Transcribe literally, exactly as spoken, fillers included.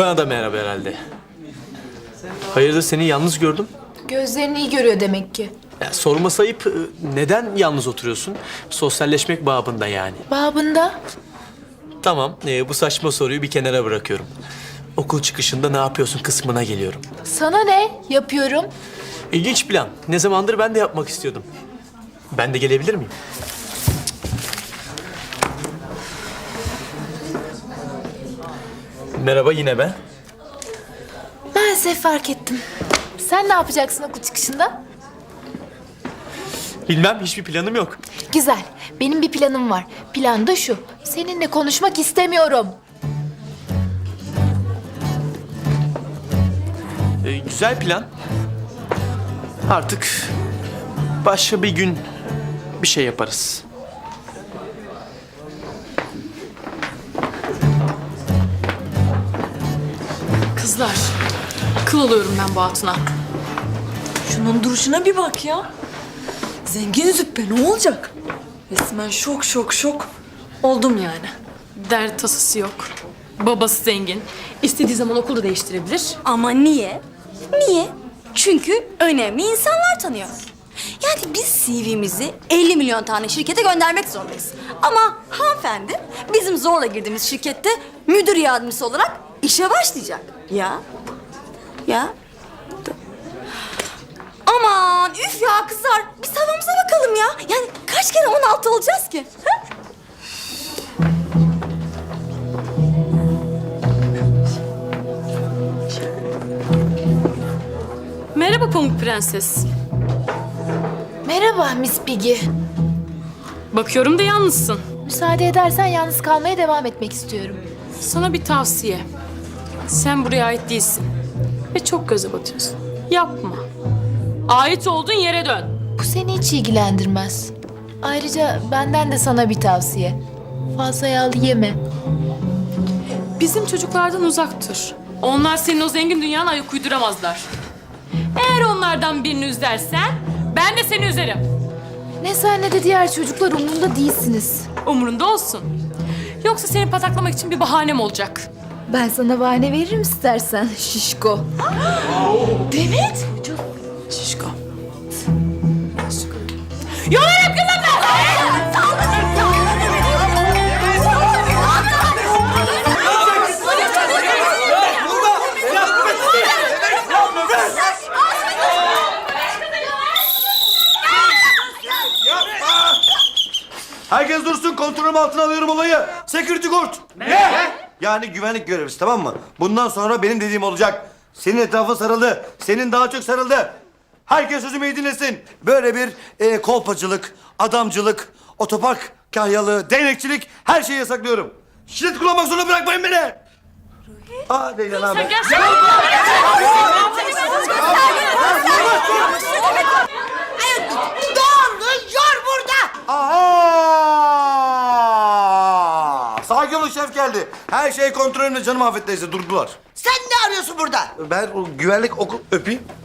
Bana da merhaba herhalde. Hayırdır, seni yalnız gördüm. Gözlerini iyi görüyor demek ki. Ya, sorması ayıp, neden yalnız oturuyorsun? Sosyalleşmek babında yani. Babında. Tamam, e, bu saçma soruyu bir kenara bırakıyorum. Okul çıkışında ne yapıyorsun kısmına geliyorum. Sana ne? Yapıyorum. İlginç plan. Ne zamandır ben de yapmak istiyordum. Ben de gelebilir miyim? Merhaba, yine ben. Maalesef fark ettim. Sen ne yapacaksın okul çıkışında? Bilmem, hiçbir planım yok. Güzel. Benim bir planım var. Plan da şu. Seninle konuşmak istemiyorum. E, güzel plan. Artık başka bir gün bir şey yaparız. Kızlar, kıl alıyorum ben bu hatuna. Şunun duruşuna bir bak ya. Zengin züppe ne olacak? Resmen şok şok şok. Oldum yani. Dert tasası yok. Babası zengin. İstediği zaman okulu değiştirebilir. Ama niye? Niye? Çünkü önemli insanlar tanıyor. Yani biz C V'mizi elli milyon tane şirkete göndermek zorundayız. Ama hanımefendi bizim zorla girdiğimiz şirkette müdür yardımcısı olarak işe başlayacak. Ya. Ya. Aman üf ya kızlar. Biz havamıza bakalım ya. Yani kaç kere on altı olacağız ki? Ha? Merhaba Pamuk Prenses. Merhaba Miss Piggy. Bakıyorum da yalnızsın. Müsaade edersen yalnız kalmaya devam etmek istiyorum. Sana bir tavsiye. Sen buraya ait değilsin. Ve çok göze batıyorsun. Yapma. Ait olduğun yere dön. Bu seni hiç ilgilendirmez. Ayrıca benden de sana bir tavsiye. Fazla yağlı yeme. Bizim çocuklardan uzak dur. Onlar senin o zengin dünyana ayak uyduramazlar. Eğer onlardan birini üzersen ben de seni üzerim. Ne sen ne de diğer çocuklar umurunda değilsiniz. Umurunda olsun. Yoksa seni pataklamak için bir bahanem olacak. Ben sana bahane veririm istersen şişko. Demet. Şişko. Yolarım kızım ben! Herkes dursun, kontrolüm altına alıyorum olayı. Security guard. Ne? Yani güvenlik görevlisi, tamam mı? Bundan sonra benim dediğim olacak. Senin etrafın sarıldı, senin daha çok sarıldı. Herkes sözümü iyi dinlesin. Böyle bir e, kolpacılık, adamcılık, otopark kahyalığı, değnekçilik her şeyi yasaklıyorum. Şiddet kullanmak zorunda bırakmayın beni. Aa Leyla ne haber? Aha! Sakin olun, şef geldi. Her şey kontrolümde canım, Afet teyze, durdular. Sen ne arıyorsun burada? Ben o güvenlik okul öpeyim.